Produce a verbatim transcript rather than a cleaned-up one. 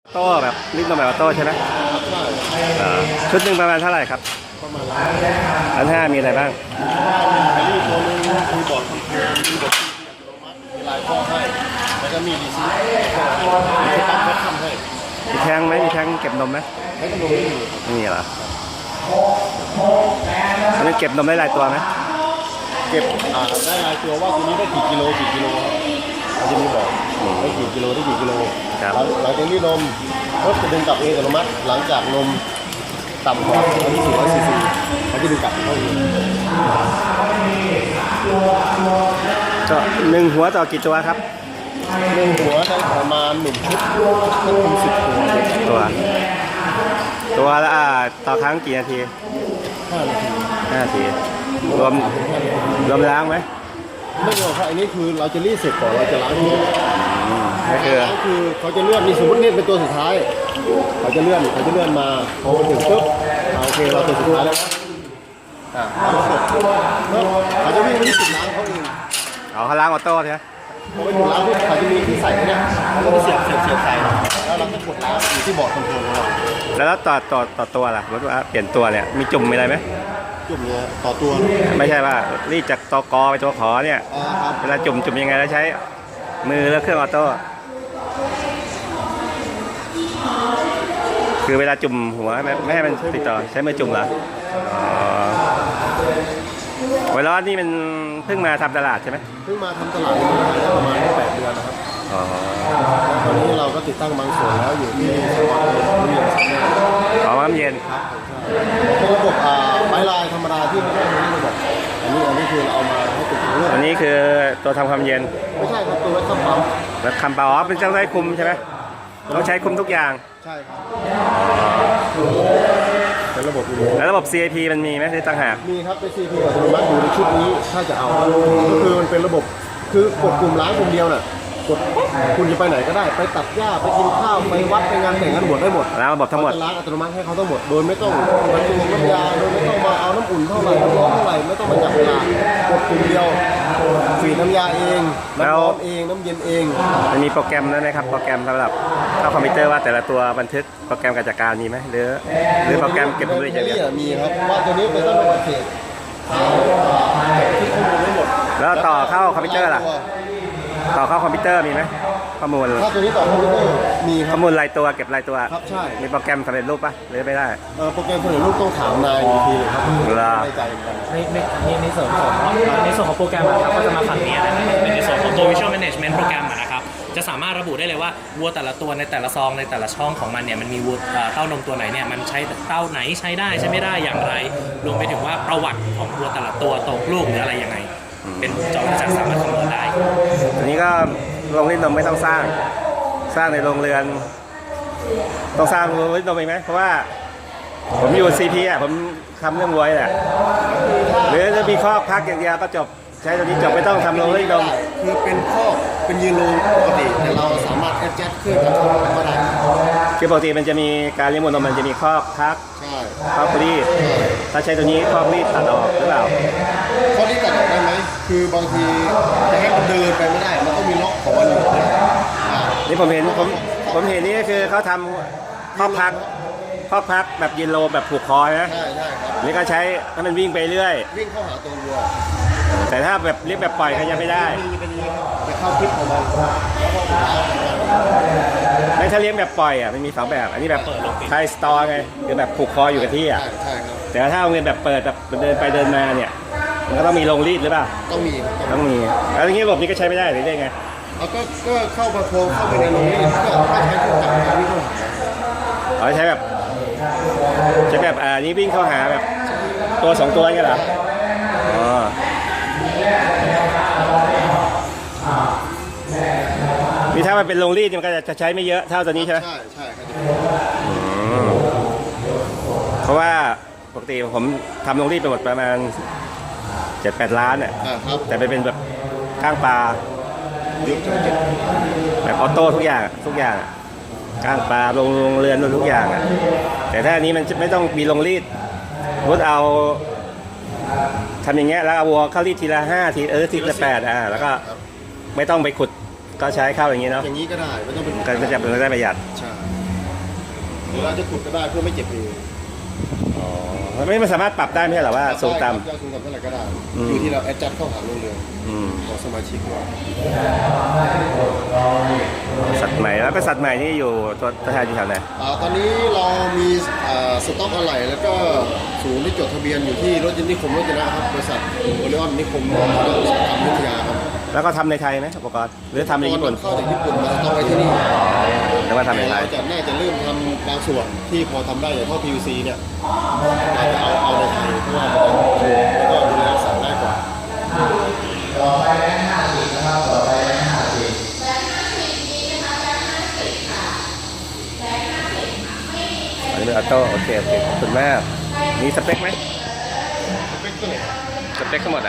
โต้แบบรีดนมแบบออโต้ใช่ไหมเออชุดหนึ่งประมาณเท่าไหร่ครับประมาณล้านล้านห้ามีอะไรบ้างมีรีตัวนึงมีบอร์ดคอมพิวเตอร์มีบอร์ดที่อัตโนมัติมีลายข้อให้แล้วก็มีรีซีฟมีปั๊มก็ทำให้มีแทงไหมมีแทงเก็บนมไหมไม่ต้องลงไม่มีไม่มีเหรอมันเก็บนมได้หลายตัวไหมเก็บอ่าได้รายตัวว่าตัวนี้ได้กี่กิโลกี่กิโลครับเขาจะมีบอกได้กี่กิโลได้กี่กิโลหลังจากนี้นมก็จะดึงกลับเองอัตโนมัติหลังจากนมต่ำกว่าอันนี้สี่ร้อยซีซีเขาจะดึงกลับเข้าเองก็หนึ่งหัวต่อกี่ตัวครับหนึ่งหัวได้ประมาณหนึ่งชุดก็เป็นสิบตัวตัวตัวละอ่าต่อครั้งกี่นาทีห้านาทีห้านาทีรวมรวมล้างไหมไม่รวมครับอันนี้คือเราจะรีดเสร็จก่อนเราจะล้างทีก็คือล้างคือเขาจะเลื่อนมีสมมติเนี่ยเป็นตัวสุดท้ายเขาจะเลื่อนเขาจะเลื่อนมาพอมาถึงปุ๊บโอเคเราตัวสุดท้ายแล้วอ่าเขาจะวิ่งไปที่จุดล้างเขาเองอ๋อเขาล้างออโต้ใช่ไหมพอไปถึงล้างปุ๊บเขาจะมีที่ใส่เนี่ยเขาจะเสียบเสียบเสียบใส่แล้วเราก็กดล้างอยู่ที่บอร์ดคอนโทรลของเราแล้วต่อต่อต่อตัวล่ะรถว่าเปลี่ยนตัวเนี่ยมีจุ่มมีอะไรไหมจุ่มเนี่ยต่อตัวไม่ใช่ว่ารีดจากตัวกอไปตัวขอเนี่ยเวลาจุ่มจุ่มยังไงแล้วใช้มือแล้วเครื่องออโต้คือเวลาจุ่มหัวไม่ให้มันติดต่อใช้มือจุ่มเหรออ๋อไวรัสนี่มันเพิ่งมาทำตลาดใช่ไหมเพิ่งมาทำตลาดได้ประมาณแปดเดือนนะครับอ๋อตอนนี้เราก็ติดตั้งบางส่วนแล้วอยู่ที่สวัสดิ์เย็นอ๋อน้ำเย็นครับเป็นระบบอ่าไม้ลายธรรมดาที่ไม่ใช่ระบบอันนี้อันนี้คือเราเอามาให้ติดตั้งอันนี้คือตัวทำความเย็นไม่ใช่ครับตัวไว้คำปั๊มแล้วคำปั๊มอ๋อเป็นเจ้าได้คุมใช่ไหมต้องใช้คุมทุกอย่างใช่ครับเป็นระบบแล้วระบบ ซี ไอ พี มันมีไหมที่ตั้งหากมีครับเป็น ซี ไอ พี อัตโนมัติอยู่ในชุดนี้ถ้าจะเอาก็คือมันเป็นระบบคือกดปุ่มล้างปุ่มเดียวน่ะกดคุณจะไปไหนก็ได้ไปตัดหญ้าไปกินข้าวไปวัดไปงานแต่งงานบวชได้หมดแล้วระบบทั้งหมดล้างอัตโนมัติให้เขาทั้งหมดโดยไม่ต้องบรรจุน้ำยาโดยไม่ต้องมาเอาน้ำอุ่นเท่าไหร่น้ำร้อนเท่าไหร่ไม่ต้องมาจับเวลากดปุ่มเดียวฝีดน้ำยาเองน้ำร้อนเองน้ำเย็นเองมันมีโปรแกรมแล้วนะครับโปรแกรมสำหรับเข้าคอมพิวเตอร์ว่าแต่ละตัวบันทึกโปรแกรมการจัดการมีไหมหรือหรือโปรแกรมเก็บข้อมูลอย่างเดียวมีครับว่าตัวนี้เป็นต้นแบบเศษที่ข้อมูลไม่หมดแล้วต่อเข้าคอมพิวเตอร์ล่ะต่อเข้าคอมพิวเตอร์มีไหมข้อมูลถ้าตัวนี้ต่อคอมพิวเตอร์มีข้อมูลรายตัวเก็บรายตัวครับใช่มีโปรแกรมสำเร็จรูปปะหรือไม่ได้เออโปรแกรมสำเร็จรูปต้องถามนายอีกทีครับไม่ใจกันในในในส่วนของในส่วนของโปรแกรมนะครับก็จะมาฝั่งนี้นะครับเป็นในส่วนของตัว Visual Management โปรแกรมนะครับจะสามารถระบุได้เลยว่าวัวแต่ละตัวในแต่ละซองในแต่ละช่องของมันเนี่ยมันมีวัวเต้านมตัวไหนเนี่ยมันใช้เต้าไหนใช้ได้ใช้ไม่ได้อย่างไรรวมไปถึงว่าประวัติของวัวแต่ละตัวตกลูกหรืออะไรยังไงเป็นจอจักรสามารถคำนวณได้อันนี้ก็โรงรีดนมไม่ต้องสร้างสร้างในโรงเรือนต้องสร้างโรงรีดนมเองไหมเพราะว่าผมอยู่ ซี พี อ่ะผมทำเรื่องวัวแหละหรือจะมีข้อพักอย่างเดียวก็จบใช้ตัวนี้จบไม่ต้องทำโรงรีดนมคือเป็นข้อเป็นยืนโรงปกติแต่เราสามารถแอดแจ็คเครื่องกับก็ได้คือปกติมันจะมีการเลี้ยงวัวนมมันจะมีข้อพักข้อรีดถ้าใช้ตัวนี้ข้อรีดตัดออกหรือเปล่าข้อรีดตัดออกได้ไหมคือบางทีจะให้มันเดินไปไม่ได้มันต้องมีล็อกของมันอยู่นี่ผมเห็นผมผมเห็นนี่ก็คือเขาทำข้อพักข้อพักแบบยืนโลแบบผูกคอนะใช่ใช่ครับนี่ก็ใช้ให้มันวิ่งไปเรื่อยวิ่งเข้าหาตัววัวแต่ถ้าแบบเลี้ยงแบบปล่อยก็ยังไม่ได้จะเข้าทิศของมันไม่ถ้าเลี้ยงแบบปล่อยอ่ะมันมีสองแบบอันนี้แบบไทยสตอร์ไงคือแบบผูกคออยู่กับที่อ่ะใช่ครับแต่ถ้าเอาเงินแบบเปิดแบบเดินไปเดินมาเนี่ยมันก็ต้องมีโรงรีดหรือเปล่าต้องมีต้องมีแล้วอย่างนี้ระบบนี้ก็ใช้ไม่ได้หรือได้ไงเอาก็ก็เข้ามาโครงเข้าไปในโรงรีดก็ถ้าใช้เครื่องจักรวิ่งเข้าหาอ๋อใช้แบบใช้แบบอ่านี้วิ่งเข้าหาแบบตัวสองตัวนี่เหรออ๋อมีถ้ามันเป็นโรงรีดมันก็จะใช้ไม่เยอะเท่าตัวนี้ใช่ไหมใช่ใช่เพราะว่าปกติผมทำโรงรีดไปหมดประมาณเจ็ดแปดล้านเนี่ยแต่ไปเป็นแบบก้างปลาแบบออโต้ทุกอย่างทุกอย่างก้างปลาโรงเรือนทุกอย่างอ่ะแต่ถ้าอันนี้มันไม่ต้องมีโรงรีดพุทเอาทำอย่างเงี้ยแล้วเอาวัวเข้ารีดทีละห้าทีเออทีละแปดอ่ะแล้วก็ไม่ต้องไปขุดก็ใช้เข้าอย่างนี้เนาะอย่างนี้ก็ได้ไม่ต้องไปก็จะเป็นได้ประหยัดใช่หรือเราจะขุดก็ได้เพื่อไม่เจ็บเอวอ๋อไม่ไม่สามารถปรับได้ไม่ใช่เหรอว่าสูงต่ได้ครับสูงต่ำเท่าไหร่ก็ได้อืมอยู่ที่เราแอดจัดเข้าหาโรงเรือนำอืมของสมาชิกว่าสัตว์ใหม่แล้วเป็นสัตว์ใหม่ที่อยู่ตัวตัวแทนอยู่แถวไหนอ่าตอนนี้เรามีอ่าสต็อกอะไหล่แล้วก็ศูนย์ที่จดทะเบียนอยู่ที่รถยนต์นิคมรถยนต์นะครับบริษัทโอเลออนนิคมรถยนต์อุตสาหกรรมวิทยาครับแล้วก็ทำในไทยไหมอุปกรณ์หรือทำในญี่ปุ่นเข้าจากญี่ปุ่นมาสต็อกไว้ที่นี่หรือว่าทำในไทเรายจะน่าจะเริ่มทำบางส่วนที่พอทำได้อย่างท่อ พี วี ซี เนี่ยเราจะเอาเอาในไทยเพราะว่ามันจะถูกแล้วก็ดูแลรักษาง่ายกว่าอันนี้เป็นออโต้โอเคโอเคขอบคุณมากมีสเปคไหมเป็นตัวไหนสเปคทั้งหมดอะ